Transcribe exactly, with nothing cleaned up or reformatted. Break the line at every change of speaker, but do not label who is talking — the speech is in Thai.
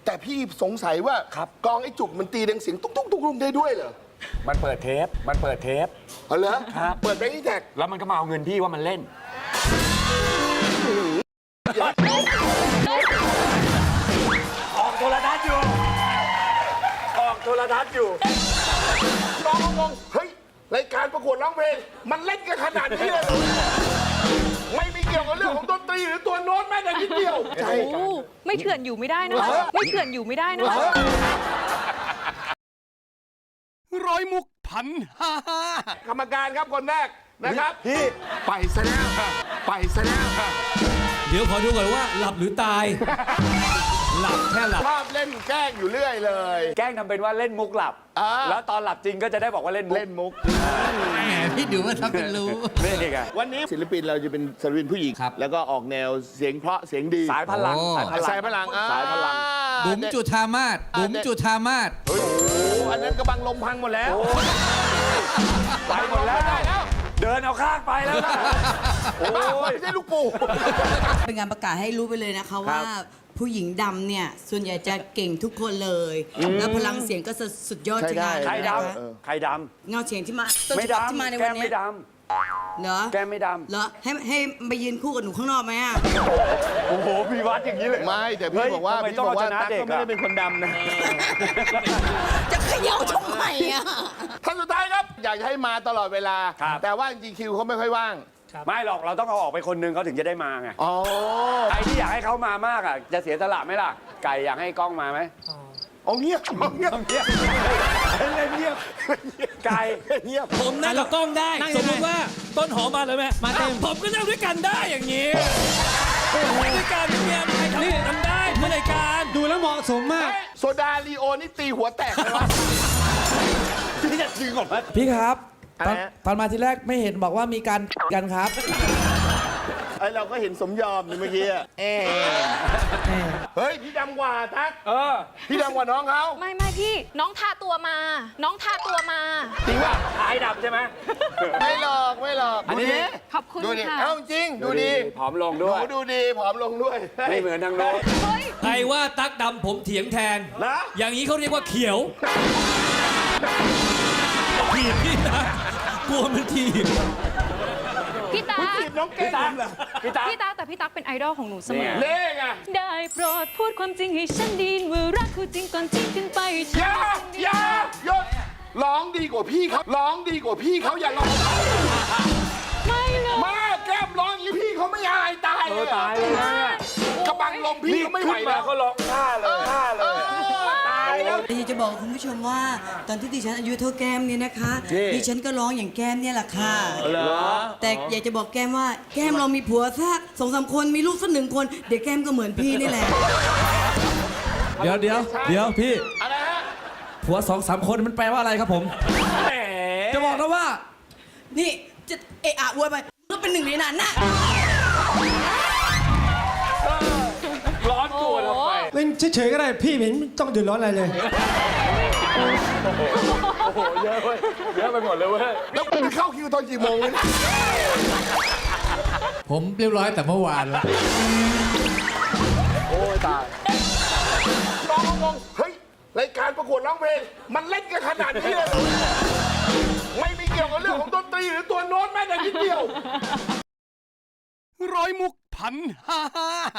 แต่พี่สงสัยว่ากองไอ้จุกมันตีดังเสียงตุ๊กตุ๊กตุ๊กตุ๊กได้ด้วยเหรอ
มันเปิดเทป มันเปิดเทป
เอาเหรอ
ครับ
เปิดแบงค์อีแท็ก
แล้วมันก็มาเอาเงินพี่ว่ามันเล่น ออกโทรทัศน์อยู่ ออกโทรทัศน์อยู่
น้องงงเฮ้ยรายการประกวดร้องเพลงมันเล่นกันขนาดนี้เลยเหรอไม่มีเกี่ยวกับเรื่องของดนตรีหรือตัวโน้ตแม้แต่นิดเดียวใช่
โอ้ไม่เถื่อนอยู่ไม่ได้นะคะไม่เถื่อนอยู่ไม่ได้นะคะ
ร้อยมุกพันห้าห้าก
รรมการครับคนแรกนะครับพี่ไปซะแล้วไปซะแล้ว
เดี๋ยวขอดูก่อนว่าหลับหรือตาย หลับแค่หลับ
ชอบเล่นแกล้งอยู่เรื่อยเลย
แกล้งทำเป็นว่าเล่นมุกหลับ
อ่า
แล้วตอนหลับจริงก็จะได้บอกว่าเล่นมุก
เล่นมุก
แหมพี่ดูว่าทำเป็นรู้
นี่ไง
วันนี้ศิลปินเราจะเป็นศิลปินผู้หญิง
ครับ
แล้วก็ออกแนวเสียงเพราะเสียงดี
สายพลัง
โอ้
สายพลังอ่
สายพลัง
บุ๋มจุธามาศบุ๋มจุธามาศ
เฮ้ยโอ้โหอันนั้นกระบังลมพังหมดแล้ว
ไปหมดแล้ว
ได้แล้ว
เดินเอาข้างไปแล้วนะโอ้
บ้าไม่
ย
ใช่ลูกปู่
เป็นการประกาศให้รู้ไปเลยนะคะว่าผู้หญิงดำเนี่ยส่วนใหญ่จะเก่งทุกคนเลย แล้วพลังเสียงก็จะสุดยอด
ใช่
ทั้งนั้น
ได้
ใคร
นะคะ
ดำใครด
เงาเสียงที่มา
ำ
ต้น
ไม่
ฉบับที่มาใน
ดำแก้
วัน
ม
นี้
ไม่ด
เหรอ
ำแก้มไม่ด
เหรอให้ให้มายืนคู่กับหนูข้างนอกไหมอ่ะ
ำโอ้โหพี่วัดอย่างนี้เลย
ไม่แต่พี่
เฮ้ย
บอกว่า
ทำไม
พี่
ต้อง
บอกว่า
เอาชนะ
ตั๊ก
เด็ก
ก็ไม่ได้
อะ
เป็นคนดำนะ
จะเขย่าทำไมอ่ะ
ท่านสุดท้ายครับ อยากจะให้มาตลอดเวลา
ครับ
แต่ว่าจริงๆคิวเขาไม่ค่อยว่าง
ไม่หรอกเราต้องเอาออกไปคนนึงเขาถึงจะได้มาไง
อ๋อ
ใครที่อยากให้เขามามากอ่ะจะเสียสละไหมล่ะ ไก่อยากให้กล้องมาไหม
เอาเงียบเอาเงียบ
เงียบเล่นเงียบไก่
เงียบ
ผมนั่งกับกล้องได้ สมมติว่าต้นหอมมาเลยไหมมาเต็มผมก็นั่งด้วยกันได้อย่างนี้ด้วยกันเนี่ยใครทำทำได้เพื่อรายการดูแล้วเหมาะสมมาก
โซดาลีโอนี่ตีหัวแตกเลยวะ
พี่จะจริงเหรอ
พี่ครับตอน
อะไรฮะ
ตอนมาทีแรกไม่เห็นบอกว่ามีการกันครับ
ไอเราก็เห็นสมยอมนี่เมื่อกี้อะเอ๊ะเฮ้ย พี่ดำกว่าทัก
เออ
พี่ดำกว่าน้องเขา
ไม่ไม่พี่น้องทาตัวมา น้องทาตัวมา
จริงป่ะ
หายดำใช่ไหม
ไม่หลอกไม่หลอก
อันนี้
ดูดิ
ขอบคุณ
ดูดิ
ค่ะ
เอ้าจริง ดูดี
ผอมลง
หนู
ด้วย
ดูดีผอมลงด้วย
ไม่เหมือนทางโน้น
เฮ้ย
ใครว่าตั๊กดำผมเถียงแทน
นะ
อย่างนี้เขาเรียกว่าเขียวถีบพี่นะกลัวมันถีบ
พี่ตา
จีบน้องเก่งเหรอ
พี่ตา
พี่ตาแต่พี่ตั๊กเป็นไอดอลของหนูเสมอ
เนี่ย
เล่ไง
ได้โปรดพูดความจริงให้ฉันไดีว่ารักคู่จริงก่อนทิ้งกันไป
อย่าอย่าหยุดร้องดีกว่าพี่เขาร้องดีกว่าพี่เขาอย่าร้อง
ไม่เลย
มาแก้มร้องอย่างนี้พี่เขาไม่อายตาย
เอ
เล
อย ตายเลยนะ
กระบังลมพี่
นี่
ก็ไม่ไหว
ขึ้นมา
แล้ว
ก็ร้องท่าเลยท่าเลย
ตายแล้ว
แต่อยากจะบอกคุณผู้ชมว่า ตอนที่ดิฉันอายุเท่าแก้มเนี่ยนะคะ ดิฉันก็ร้องอย่างแก้มเนี่ยแหละค่ะ
เหรอ
แต่อยากจะบอกแก้มว่าแก้มเรามีผัวสักสองสามคนมีลูกสักหนึ่งคน เดี๋ยวแก้มก็เหมือนพี่นี่แหละ
เดี๋ยวเดี๋ยวเดี๋ยวพี่
อะไรฮะ
ผัวสองสามคนมันแปลว่าอะไรครับผม
แหม
จะบอกนะว่า
นี่จะเอะอะอวยไปก็เป็นหนึ่งในนั้นน่ะ
ร้อนตัวทำไม
เล่นเฉยๆก็ได้พี่ไม่เห็นต้องเดือดร้อนอะไรเลย
โอ้โหเยอะเว้ยเยอะไปหมดเลยเว้ย
แล้วคุณเข้าคิวตอนกี่โมงวะเนี่ย
ผมเรียบร้อยแต่เมื่อวานละ
โอ้ยตายน้องงงเฮ้ยรายการประกวดร้องเพลงมันเล่นกันขนาดนี้เลยเหรอไม่มีเกี่ยวกับเรื่องของดนตรีหรือตัวโน้ตแม้แต่นิดเดียว
ร้อยมุกพันห้าห้า